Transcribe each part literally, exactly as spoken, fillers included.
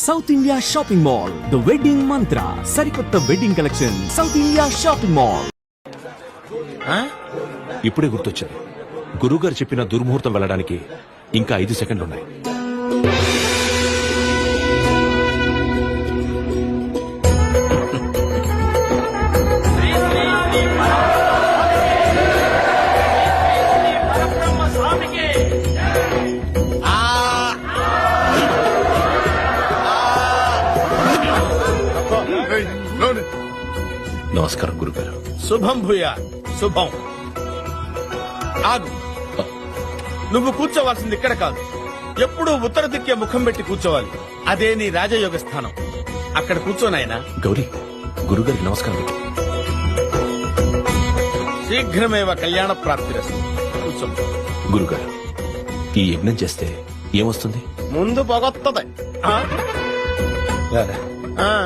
South India shopping mall, the wedding mantra, సరికొత్త wedding collection, south India shopping mall. ఇప్పుడే గుర్తొచ్చింది, గురుగారు చెప్పిన దుర్ముహూర్తం వెళ్ళడానికి ఇంకా ఐదు సెకండ్లు ఉన్నాయి. నమస్కారం గురుగారు. శుభం భూయా శుభం. ఆగు, నువ్వు కూర్చోవాల్సింది ఇక్కడ కాదు, ఎప్పుడూ ఉత్తర దిక్కే ముఖం పెట్టి కూర్చోవాలి. అదే నీ రాజయోగ స్థానం. అక్కడ కూర్చోనాయనా. గౌరీ, గురుగారికి నమస్కారం. శీఘ్రమేవ కళ్యాణ ప్రాప్తిరస్తు. కూర్చో. గురుగారు, ఈ యజ్ఞం చేస్తే ఏమొస్తుంది? ముందు పొగొత్తది. ఆ? ఆ.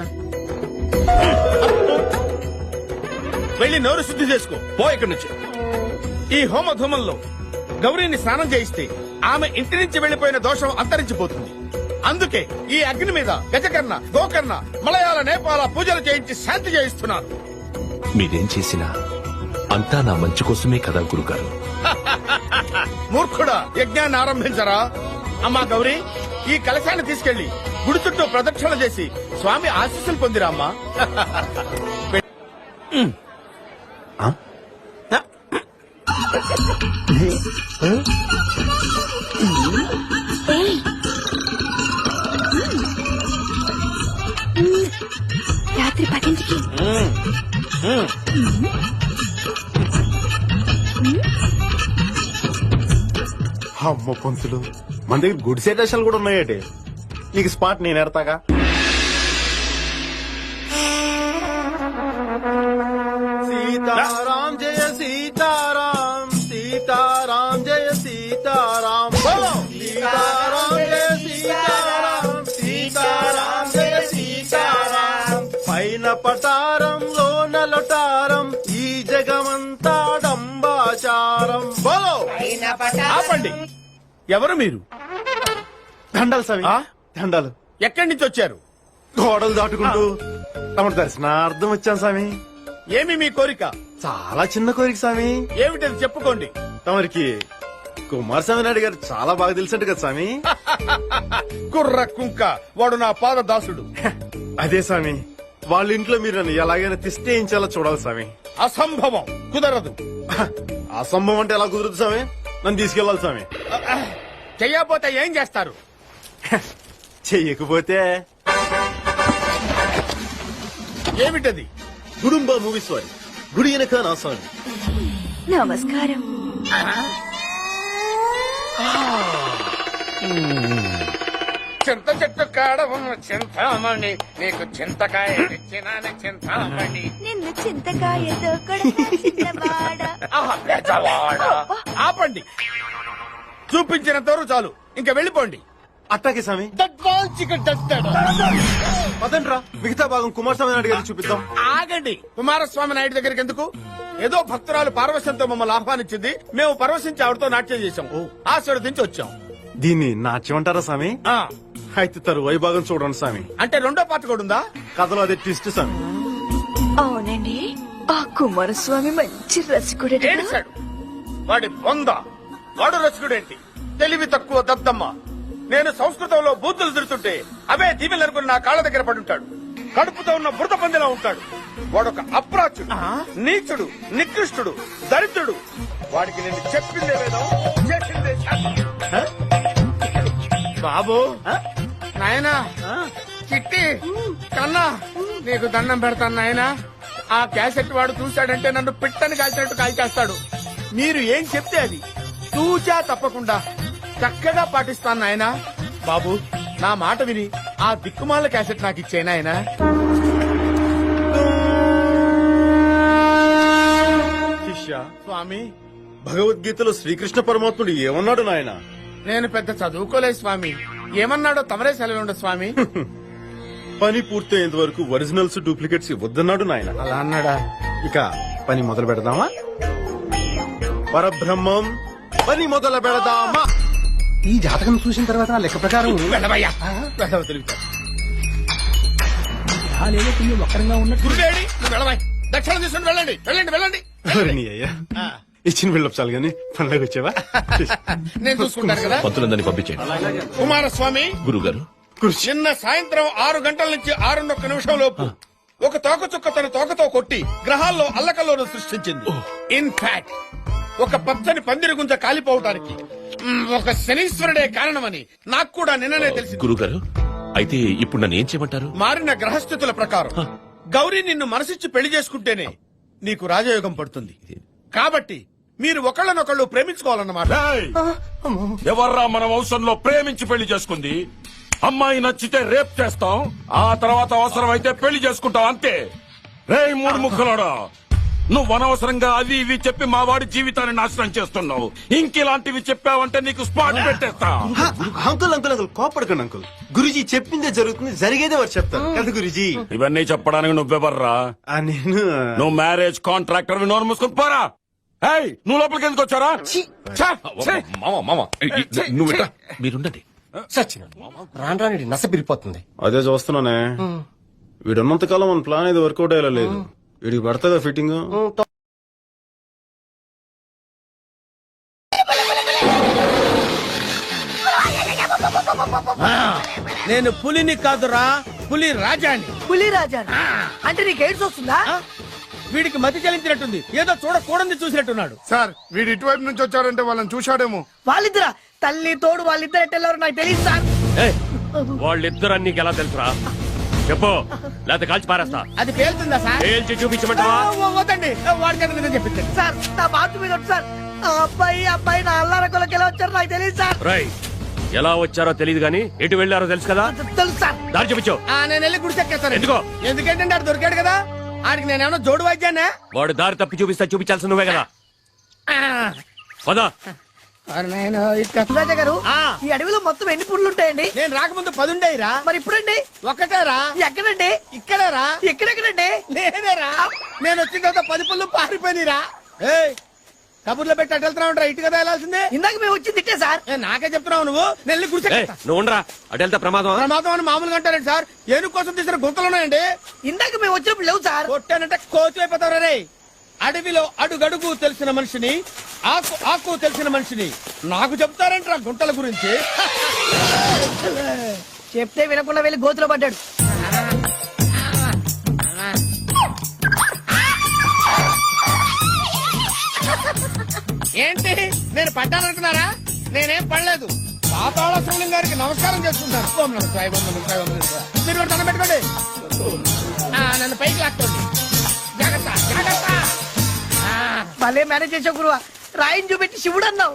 వెళ్ళి నోరు శుద్ధి చేసుకో. పో ఇక్కడి నుంచి. ఈ హోమధూమంలో గౌరీని స్నానం చేయిస్తే ఆమె ఇంటి నుంచి వెళ్లిపోయిన దోషం అంతరించిపోతుంది. అందుకే ఈ అగ్ని మీద గజకర్ణ, గోకర్ణ, మలయాళ, నేపాల పూజలు చేయించి శాంతి చేయిస్తున్నారు. మీరేం చేసినా అంతా నా మంచి కోసమే కదా గురుగారు. మూర్ఖుడా, యజ్ఞాన్ని ఆరంభించరా. అమ్మా గౌరీ, ఈ కలశాన్ని తీసుకెళ్లి గుడి చుట్టూ ప్రదక్షిణ చేసి స్వామి ఆశీస్సులు పొందిరా అమ్మా. రాత్రి పదింటికి అమ్మ పంతులు, మన దగ్గర గుడి సెటేషన్లు కూడా ఉన్నాయటే. నీకు స్పాట్ నేను ఎడతాగా. సీతారాం జయ సీతారాం, సీతారాం జయ సీతారాం, సీతారాం జయ సీతారాం, సీతారాం జయ సీతారాం. పైన పటారంలో నలటారం, ఈ జగమంతా డంబాచారం. బోలో. ఆపండి. ఎవరు మీరు? దండాలు స్వామి, ఆ? దండాలు. ఎక్కడి నుంచి వచ్చారు? గోడలు దాటుకుంటూ తమ దర్శనార్థం వచ్చాను స్వామి. ఏమి మీ కోరిక? చాలా చిన్న కోరిక స్వామి. ఏమిటది చెప్పుకోండి. తమరికి కుమారస్వామి నాయుడు గారు చాలా బాగా తెలిసినట్టు కదా స్వామి. కుర్ర కుంక, వాడు నా పాద దాసుడు. అదే స్వామి, వాళ్ళ ఇంట్లో మీరు నన్ను ఎలాగైనా తిష్టేయించాలో చూడాలి స్వామి. అసంభవం, కుదరదు. అసంభవం అంటే ఎలా కుదురుతుంది స్వామి? నన్ను తీసుకెళ్లాలి స్వామి. చెయ్యకపోతే ఏం చేస్తారు? చెయ్యకపోతే ఏమిటది? గుడుంబ మూవీస్ వారి గుడి వెనక నా స్వామి. నమస్కారం. చింత చెట్టు కాడ ఉన్న చింతామణి, నీకు చింతకాయ తెచ్చినాను చింతామణి. నిన్ను చింతకాయతో కొడతా. ఆహా, పెద్దవాడ. ఆపండి. చూపించినంత వరకు చాలు, ఇంకా వెళ్ళిపోండి. అట్టాకే స్వామి. పదండ్రా, మిగతా భాగం కుమారస్వామి నాయుడు గారికి చూపిద్దాం. ఆగండి. కుమారస్వామి నాయుడు దగ్గరికి ఎందుకు? ఏదో భక్తురాలు పార్వశంతో మమ్మల్ని ఆహ్వానించింది, మేము పరవశించి ఆవిడతో నాట్యం చేశాం, ఆశీర్వదించి వచ్చాం. దీన్ని నాట్యం అంటారా స్వామి? ఆ, అయితే తరువాయి భాగం చూడండి స్వామి. అంటే రెండో పాట కూడా ఉందా? కథలో అదే ట్విస్ట్ స్వామి. అవునండి, ఆ కుమారస్వామి మంచి రసికుడు. ఏడిశాడు వాడి బొంద. వాడు రసికుడేంటి? తెలివి తక్కువ దద్దమ్మ. నేను సంస్కృతంలో బూతులు తిరుతుంటే అవే దీవెలనుకుని నా కాళ్ళ దగ్గర పడుంటాడు. కడుపుతో ఉన్న బురద పందిలా ఉంటాడు. వాడొక అప్రాచుడు, నీచుడు, నికృష్టుడు, దరిద్రుడు. వాడికి నేను చెప్పిందే వేదం, చేసిందే శాస్త్రం. బాబు, నాయనా, చిట్టి, కన్నా, నీకు దండం పెడతాను నాయనా. ఆ క్యాసెట్ వాడు చూశాడంటే నన్ను పిట్టని కాల్చినట్టు కాల్చేస్తాడు. మీరు ఏం చెప్తే అది తూచా తప్పకుండా చక్కగా పాటిస్తాను నాయనా. బాబు, నా మాట విని ఆ దిక్కుమాల క్యాసెట్ నాకు ఇచ్చే నాయనా. శిష్య, స్వామి, భగవద్గీతలో శ్రీకృష్ణ పరమాత్ముడు ఏమన్నాడు నాయన? నేను పెద్ద చదువుకోలేదు స్వామి. ఏమన్నాడో తమరే సెలవుండ స్వామి. పని పూర్తయ్యేంత వరకు ఒరిజినల్స్ డూప్లికేట్స్ ఇవ్వద్దన్నాడు నాయన. అలా అన్నాడా? ఇక పని మొదలు పెడదామా? పరబ్రహ్మం, పని మొదలు పెడదామా? ఈ జాతకం చూసిన తర్వాత నా లెక్క ప్రకారం వెళ్ళవయ్యా, వెళ్ళవ తిరుగుతా. గురువేడి నువ్వు వెళ్ళవాయి దక్షిణ తీసుకుని వెళ్ళండి వెళ్ళండి వెళ్ళండి ఎవరి నీ అయ్యా ఇచ్చిన బిల్డప్ చాలు గానీ పనిలోకి వచ్చావా నేను చూసుకుంటాను కదా పంతులందరినీ పంపించండి. కుమారస్వామి గురుగారు నిన్న సాయంత్రం ఆరు గంటల నుంచి ఆరున్నొక్క నిమిషం లోపు ఒక తోకచుక్క తన తోకతో కొట్టి గ్రహాల్లో అల్లకల్లోను సృష్టించింది. ఇన్ఫాక్ట్ ఒక పచ్చని పందిరి గుంజ కాలిపోవటానికి మ్, ఒక శనీశ్వరుడే కారణమని నాకు కూడా నిన్ననే తెలిసింది. గురుగారు అయితే ఇప్పుడు నన్ను ఏం చేయమంటారు? మారిన గ్రహస్థితుల ప్రకారం గౌరీ నిన్ను మనసిచ్చి పెళ్లి చేసుకుంటేనే నీకు రాజయోగం పడుతుంది. కాబట్టి మీరు ఒకళ్ళనొకళ్ళు ప్రేమించుకోవాలన్నమాట. ఎవర్రా మన వంశంలో ప్రేమించి పెళ్లి చేసుకుంది? అమ్మాయి నచ్చితే రేప్ చేస్తాం, ఆ తర్వాత అవసరం అయితే పెళ్లి చేసుకుంటాం అంతే. రే మూడు ముక్కలోడా, నువ్వు అనవసరంగా అవి ఇవి చెప్పి మా వాడి జీవితాన్ని నాశనం చేస్తున్నావు. ఇంకిలాంటివి చెప్పావంటే నీకు స్పాట్ పెట్టేస్తా. అంకుల్ అంకుల్ అంకుల్ కోపడకండి అంకుల్. గురుజీ చెప్పిందే జరుగుతుంది, జరిగేదే వారు చెప్తారు కదా గురుజీ. ఇవన్నీ చెప్పడానికి నువ్వెవర్రా? ఆ, నేను నువ్వు మ్యారేజ్ కాంట్రాక్టర్ నోరు మూసుకొని పోరా. ఏయ్, నువ్వు లోపలికి ఎందుకు వచ్చారా? మామ మామ నువ్వు ఇట్రా. మీరుండండి. రాను రాని నస పిరిపోతుంది. అదే చూస్తున్నానే. వీడున్నంత కాలం మన ప్లాన్ ఇది వర్కౌట్ అయ్యేలా లేదు. వీడికి పడుతుందా ఫిట్టింగ్? నేను పులిని కాదురా, పులి రాజాని. పులి రాజా అంటే నీకు ఎయిడ్స్ వస్తుందా? వీడికి మతి చెల్లించినట్టుంది, ఏదో చూడకూడదు చూసినట్టున్నాడు. సార్ వీడు ఇటువైపు నుంచి వచ్చారంటే వాళ్ళని చూశాడేమో. వాళ్ళిద్దరా? తల్లి తోడు వాళ్ళిద్దరు ఎట్టెళ్ళారు నాకు తెలియదు సార్. వాళ్ళిద్దరు నీకు ఎలా తెలుసురా? చెప్పు, లేకపోతే కాల్చి పారేస్తా. అది పేలుతుందా సార్? పేల్చి చూపించమంటావా? వద్దండి, వాడికి చెప్పించండి. సార్ నా బాతు మీద ఒకటి సార్. ఆ అబ్బాయి అబ్బాయి నా అల్లారకులకి ఎలా వచ్చారు నాకు తెలియదు సార్. రై, ఎలా వచ్చారో తెలియదు గానీ ఎటు వెళ్ళారో తెలుసు కదా? తెలుసు సార్. దారి చూపించు. ఆ, నేను వెళ్ళి గుడి చెక్కేస్తాను. ఎందుకో? ఎందుకంటే ఆడు దొరికాడు కదా, ఆడికి నేనేమన్నా జోడు వాయిద్యానా? వాడు దారి తప్పి చూపిస్తా, చూపించాల్సి నువ్వే కదా. పదా. రాజా గారు, ఆ. ఈ అడవిలో మొత్తం ఎన్ని పుర్లు ఉంటాయండి? నేను రాకముందు పదుండేరా. మరి ఇప్పుడండి? ఒక్కటేరా. ఎక్కడండి? ఇక్కడేరా. ఎక్కడెక్కడండి? లేదేరా, నేను వచ్చిన తర్వాత పది పుల్లు పారిపోయినరా. ఏయ్, కబుర్లో పెట్టి అటు వెళ్తున్నావు, ఇటు కదా వెళ్ళాల్సిందే. ఇందాక మేము వచ్చి తిట్టే సార్. ఏ, నాకే చెప్తున్నావు నువ్వు. నేను గుడి ఏయ్, చెక్కేస్తా. నువ్వు ఉండరా, అటు వెళ్తే ప్రమాదం. ప్రమాదం అని మామూలుగా అంటారండి సార్. ఏనుగు కోసం తీసిన గుంతలున్నాయండి. ఇందాక మేము వచ్చినప్పుడు లేవు సార్. కొట్టానంటే కోతి అయిపోతావు రే. అడవిలో అడుగడుగు తెలిసిన మనిషిని, ఆకు ఆకు తెలిసిన మనిషిని నాకు చెప్తారంటారా గుంటల గురించి? చెప్తే వినకుండా వెళ్ళి గోతులో పడ్డాడు. ఏంటి, నేను పడ్డాననుకున్నారా? నేనేం పడలేదు. పాతాళ శివలింగం గారికి నమస్కారం చేసుకుంటాను. ఓం నమః శివాయ, ఓం నమః శివాయ, ఓం నమః శివాయ. మీరు కూడా దండం పెట్టుకోండి. ఆ, నన్ను పైకి లాక్కోండి. జాగ్రత్త జాగ్రత్త. ఆ, భలే మేనేజ్ చేసావు గురువా. రాయిని చూపెట్టి శివుడు అన్నావు.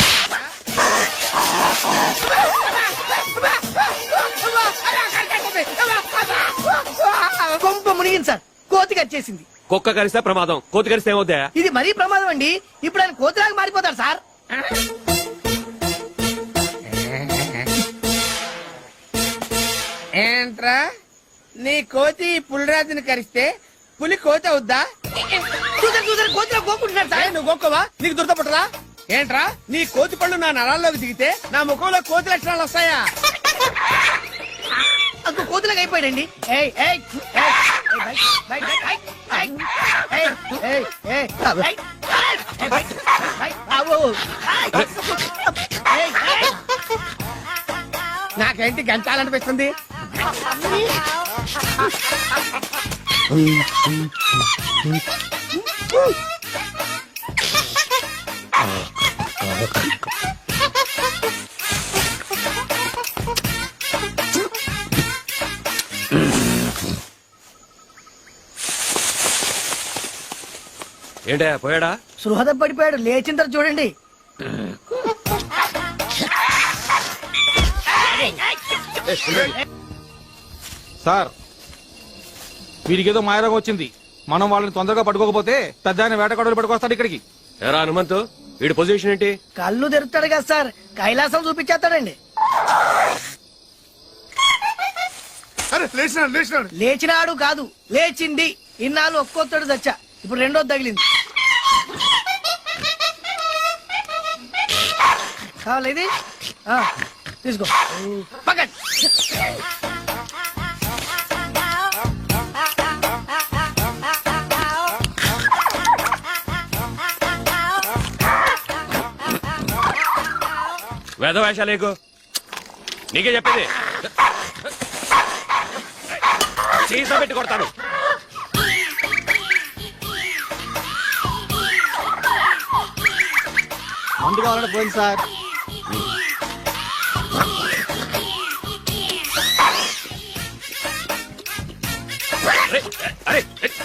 కొంప మునిగింది సార్. కోతి కచ్చేసింది. కుక్క కరిస్తే ప్రమాదం, కోతి కరిస్తే ఏమవుతా? ఇది మరీ ప్రమాదం అండి. ఇప్పుడు ఆయన కోతిలాగా మారిపోతాడు సార్. ఏంట్రా, నీ కోతి పులిరాజుని కరిస్తే పులి కోతి అవుద్దా? చూసారు చూసారు కోతిలో కోకుంటున్నాడు సాయి, సార్. నువ్వు గోక్కవా? నీకు దురదపట్టదా? ఏంట్రా, నీ కోతి పళ్ళు నా నరాల్లోకి దిగితే నా ముఖంలో కోతి లక్షణాలు వస్తాయా? అక్కడ కోతిలాగా అయిపోయాడండి. ఏయ్, ఏయ్, ఏయ్, ఏయ్, బయట, బయట, బయట, ఏయ్, ఏయ్, ఏయ్, ఏయ్, ఏయ్, ఏయ్, బయట, బయట, ఆవు, ఏయ్, ఏయ్. నాకేంటి గంటాలనిపిస్తుంది? ఏంటా పోయాడా? సృహద పడిపోయాడు. లేచిన తర్వాత చూడండి. సార్, వీడికి ఏదో మాయరోగం వచ్చింది. మనం వాళ్ళని తొందరగా పట్టుకోకపోతే పెద్ద ఆయన వేటగాడులు పట్టుకొస్తాడు ఇక్కడికి. ఎరా హనుమంతు, వీడి పొజిషన్ ఏంటి? కళ్ళు తెరుతాడు కదా సార్, కైలాసం చూపించేస్తాడండి. అరే లేచినాడు లేచినాడు. లేచినాడు కాదు, లేచింది. ఇన్నాళ్ళు ఒక్కొక్కడు చచ్చా, ఇప్పుడు రెండోది తగిలింది. కావాలి ఇది? ఆ, తీసుకో. పక్కన వేదవేషాలేకు నీకే చెప్పేది. సీసా పెట్టి కొడతాను. మందు కావాలంటే పోయింది సార్. అరే, అరే,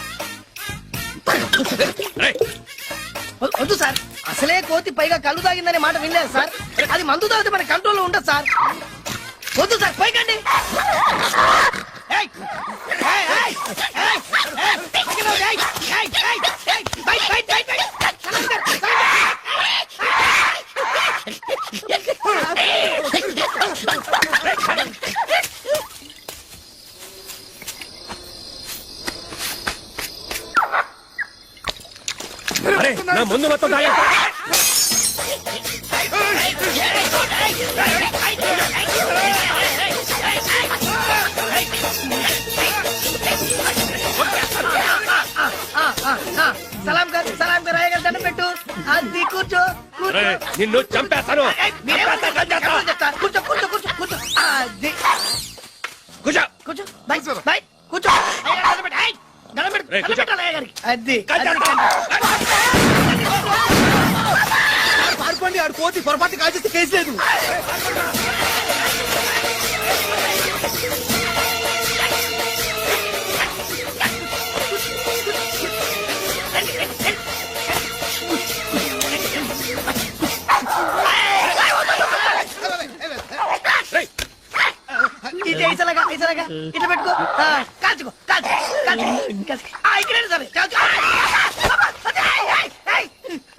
అరే. వ- వద్దు సార్, అసలే కోతి పైగా కళ్ళు తాగిందనే మాట వినలేదు సార్. అది మందు తాగితే మన కంట్రోల్లో ఉండదు సార్. వద్దు సార్, పైకండి. ఏయ్! ఏయ్, ఏయ్, ఏయ్, ఏయ్, పైకి రావు, ఏయ్, ఏయ్, ఏయ్, ఏయ్, బయట, బయట, బయట, బయట. సలాం సార్, సలాం అరే, నా ముందు మొత్తం తాగేస్తా. ఆ, ఆ, ఆ, సలాం గారు, సలాం గారు, అయ్య గారు దండం పెట్టు. అది కూర్చో, కూర్చో. అరే, నిన్ను చంపేస్తాను. ఏయ్, మీరేమో ఎప్పుడు చెప్తా? కూర్చో, కూర్చో, కూర్చో, కూర్చో. అది. కూర్చో. కూర్చో, బై, బై, కూర్చో. అయ్య గారు దండం పెట్టు. ఏయ్, దండం పెట్టు, రేయ్, దండం కూర్చో. పెట్టాలి అయ్య గారికి. అది, కూర్చో. అది. పారిపోండి, ఆడు కోతి పొరపాటు కాల్చేస్తే కేసు లేదు. రేయ్, ఇది ఐసలాగా, ఐసలాగా. ఇట్లా పెట్టుకో. ఆ, కాల్చుకో, కాల్చుకో, కాల్చుకో, కాల్చుకో. ఆ, ఇక్కడే సరే, కాల్చుకో. అది, ఏయ్, ఏయ్, ఏయ్.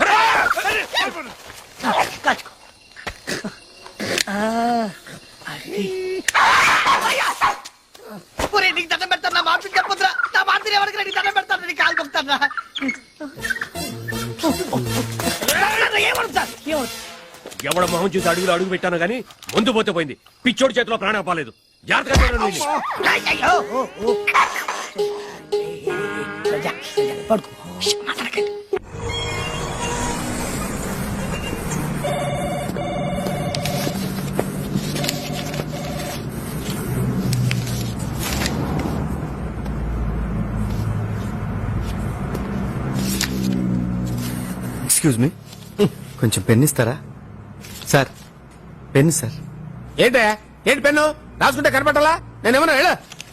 ఆ, కాల్చుకో. ఆ, అది. ఒరేయ్, నీకు దండం పెడతాను, నా మాట చెప్పొద్దురా. నా మాట ఎవరికి నీకు దండం పెడతాను, నీకు కాలు కొడతాను. ఏమడు సార్, ఏమడు? ఎవడ మొహం చూసి అడుగులు అడుగు పెట్టాను గానీ ముందు పోతే పోయింది. పిచ్చోడి చేతిలో ప్రాణం పోలేదు. జాగ్రత్తగా చూడండి వీడిని. ఏయ్, ఏయ్, ఓ, ఓ, ఓ. సజ్జా, సజ్జా, పడుకో. ష్, మాట్లాడకండి. ఎక్స్క్యూజ్ మీ, కొంచెం పెన్ ఇస్తారా? Sir, pen sir. ఏంటే ఏంటి పెన్ను రాసుకుంటే కనపట్టాలా? నేనేమన్నా ಹೇಳ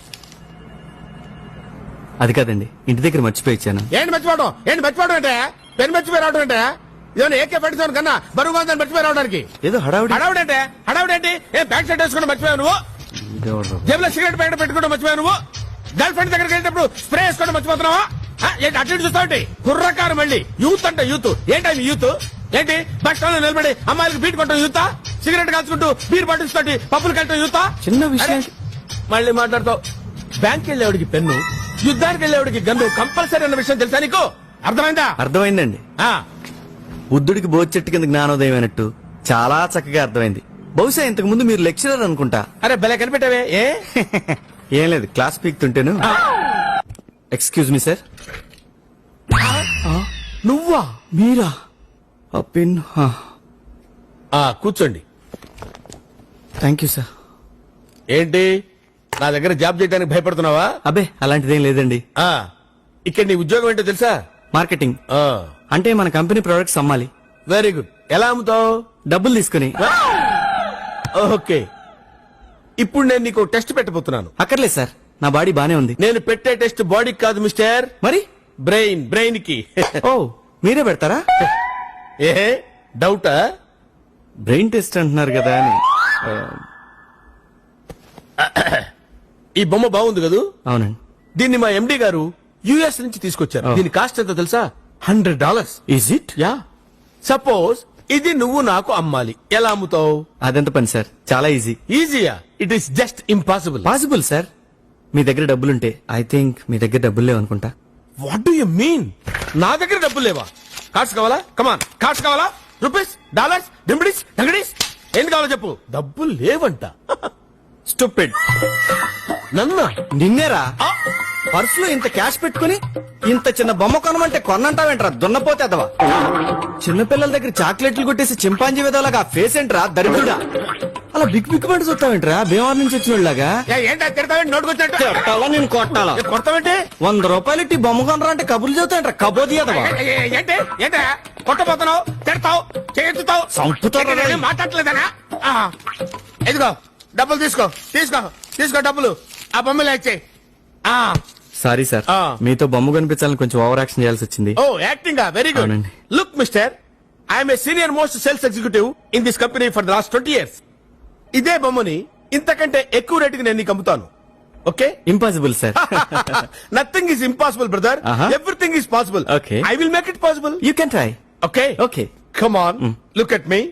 అది కాదండి, ఇంటి దగ్గర మర్చిపోయి ఇచ్చాను. ఏంటి మర్చిపోవడం? ఏంటి మర్చిపోవడం అంటే పెన్ మర్చిపోయి రావడం అంటే ఇదేమన్నా ఏకే పెట్టుతాను కన్నా బరువుగా ఉందని మర్చిపోయి రావడానికి. ఏదో హడావుడి. హడావుడి అంటే హడావుడి ఏంటి? ఏ బ్యాక్ సైడ్ వేసుకుంటే మర్చిపోయావు నువ్వు? ఇదేవడ్రా? జేబులో సిగరెట్ ప్యాకెట్ పెట్టుకుంటే మర్చిపోయావు నువ్వు? గర్ల్ ఫ్రెండ్ దగ్గరికి వెళ్ళేటప్పుడు స్ప్రే వేసుకోవడం మర్చిపోతున్నావా? ఆ, ఏంటి అటు ఇటు చూస్తావు? కుర్రకారు మళ్ళీ యూత్ అంటే యూత్ ఏంటి అవి యూత్? ఏంటి బస్ స్టాండ్ లో నిలబడి అమ్మాయిలకు బీట్ కొట్టడం యూతా? సిగరెట్ కాల్చుకుంటూ బీర్ బాటిల్స్ తోటి పప్పులు కట్టడం యూతా? చిన్న విషయం. అరే, మళ్ళీ మాట్లాడతావు. బ్యాంక్ వెళ్ళేవాడికి పెన్ను, యుద్ధానికి వెళ్ళేవాడికి గన్ను కంపల్సరీ అన్న విషయం తెలుసా నీకు? అర్థమైందా? అర్థమైందండి. ఆ, బుద్ధుడికి బోధి చెట్టు కింద జ్ఞానోదయం అయినట్టు చాలా చక్కగా అర్థమైంది. బహుశా ఇంతకు ముందు మీరు లెక్చరర్ అనుకుంటా. అరే భలే కనిపెట్టావే. ఏ ఏం లేదు, క్లాస్ పీక్తుంటేను. Excuse me sir. నువ్వా? మీరా? ఆ పెన్. ఆ, కూర్చోండి. Thank you sir. ఏంటి నా దగ్గర జాబ్ చేయడానికి భయపడుతున్నావా? అబ్బే అలాంటిదేం లేదండి. ఆ, ఇక్కడ నీ ఉద్యోగం ఏంటో తెలుసా? మార్కెటింగ్. ఆ, అంటే మన కంపెనీ ప్రొడక్ట్స్ అమ్మాలి. Very good. ఎలా అమ్ముతావు? డబ్బులు తీసుకుని. ఓకే, ఇప్పుడు నేను నీకు టెస్ట్ పెట్టబోతున్నాను. అక్కర్లేదు సార్, నా బాడీ బానే ఉంది. నేను పెట్టే టెస్ట్ బాడీకి కాదు మిస్టర్, మరి బ్రెయిన్ బ్రెయిన్ కి. ఓ మీరే పెడతారా? ఏ డౌటా? బ్రెయిన్ టెస్ట్ అంటున్నారు కదా అని. ఆ, ఈ బొమ్మ బాగుంది కదూ? అవునండి. దీన్ని మా ఎండి గారు యుఎస్ నుంచి తీసుకొచ్చారు. Oh. దీని కాస్ట్ ఎంతో తెలుసా? Hundred dollars. Is it? Ya. Suppose ఇది నువ్వు నాకు అమ్మాలి, ఎలా అమ్ముతావు? అదెంత పని సార్, చాలా ఈజీ. ఈజీయా? It is just impossible. Possible sir. మీ దగ్గర డబ్బులుంటే. ఐ థింక్ మీ దగ్గర డబ్బులు లేవు అనుకుంటా. What do you mean? నా దగ్గర డబ్బులు లేవా? కార్డ్స్ కావాలా? కమాన్, కార్డ్స్ కావాలా? రూపీస్, డాలర్స్, డింబిడీస్, డంగడీస్, ఏంటి కావాలో చెప్పు. డబ్బులు లేవంట. స్టూపిడ్. నన్నా? నిన్నేరా? ఆ, పర్సులో ఇంత క్యాష్ పెట్టుకుని ఇంత చిన్న బొమ్మ కొనమంటే కొన్నంటావేంట్రా దున్నపోతే అదవా చిన్నపిల్లల దగ్గర చాక్లెట్లు కొట్టేసి చింపాంజీ విధాలుగా ఆ ఫేస్ ఏంట్రా దరిద్రుడా అలా బిగ్ బిగ్ మంట చూస్తావేంట్రా భీమవరం నుంచి వచ్చిన వాళ్ళగా ఏంటో తిడతావేంటి నోటుకొచ్చినట్టు కొట్టాలా నేను కొట్టాలా కొడతావేంటి వంద రూపాయలు ఇట్టి బొమ్మ కొనరా అంటే కబుర్లు చెబుతాయంట్రా కబోది అదవా ఏ- ఏ- ఏంటి ఏంటా కొట్టబోతున్నావు తిడతావు చేతుతావు చంపుతారా రే? మాట్లాడలేదనా ఆ, ఇదిగో డబ్బులు తీసుకో తీసుకో తీసుకో డబ్బులు ఆ బొమ్మలు ఇచ్చేయి ఆ సారీ సార్ ఆ. మీతో బొమ్మ కనిపించాలని కొంచెం ఓవర్ యాక్షన్ చేయాల్సి వచ్చింది ఓ యాక్టింగ్ వెరీ గుడ్ అవునండి. Look mister I'm a senior most sales executive in this company for the last twenty years ఇదే బొమ్మని ఇంతకంటే ఎక్కువ రేటుకి నేను నీకు అమ్ముతాను okay impossible sir nothing is impossible brother Uh-huh. Everything is possible Okay. I will make it possible you can try okay okay come on look at me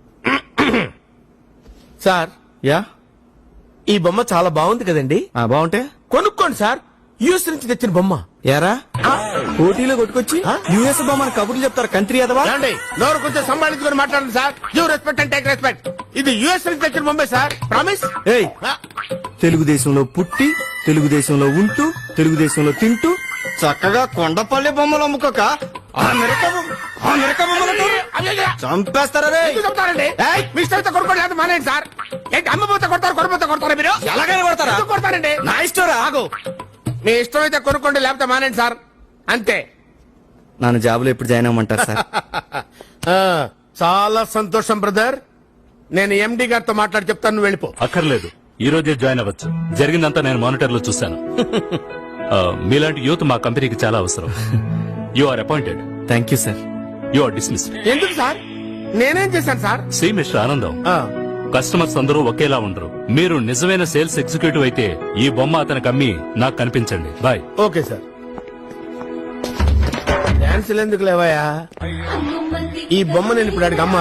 sir ya ఈ బొమ్మ చాలా బాగుంది కదండి బాగుంటే కొనుక్కోండి సార్ యూఎస్ నుంచి తెచ్చిన బొమ్మ యారా పోటీలో కొట్టుకొచ్చి యుఎస్ బొమ్మని కబుర్లు చెప్తారు కంట్రీ అదవా ఏమండి నోరు కొంచెం సంభాళించుకొని మాట్లాడండి sir you respect and take respect ఇది యుఎస్ నుంచి తెచ్చిన బొమ్మే సార్ ప్రామిస్ ఏయ్ తెలుగుదేశంలో పుట్టి తెలుగుదేశంలో ఉంటూ తెలుగుదేశంలో తింటూ చక్కగా కొండపల్లి బొమ్మలు అమ్ముకోక ఆ మిరక బొమ్మ- ఆ మిరక బొమ్మలతో చంపేస్తారా రే చెప్తారండి మీ ఇష్టమైతే కొనుక్కోండి లేదా మానేయండి సార్ ఏంటి అమ్మపోతే కొడతారు కొనపోతే కొడతారా మీరు ఎలాగైనా కొడతారా? ఎందుకు కొడతారండి నా ఇష్టం రా. ఆగు మీ ఇష్టమైతే కొనుక్కోండి లేకపోతే మానేయండి సార్ అంతే నన్ను జాబులో ఎప్పుడు జాయిన్ అవ్వమంటారు సార్ ఆ, చాలా సంతోషం బ్రదర్ నేను ఎండి గారితో మాట్లాడి చెప్తాను నువ్వు వెళ్ళిపో అక్కర్లేదు ఈ రోజే జాయిన్ అవ్వచ్చు జరిగిందంతా నేను మానిటర్ లో చూశాను ఆ, మీలాంటి యూత్ మా కంపెనీకి చాలా అవసరం you are appointed thank you sir you are dismissed ఎందుకు సార్ నేనేం చేశాను సార్ సి మిస్టర్ ఆనందం ఆ, కస్టమర్స్ అందరూ ఒకేలా ఉండరు మీరు నిజమైన సేల్స్ ఎగ్జిక్యూటివ్ అయితే ఈ బొమ్మ అతనికి అమ్మి నాకు కనిపించండి బాయ్ ఓకే సార్ డాన్స్ ఎందుకు లేవయా ఈ బొమ్మ నేను ఇప్పుడు అడిగి అమ్మ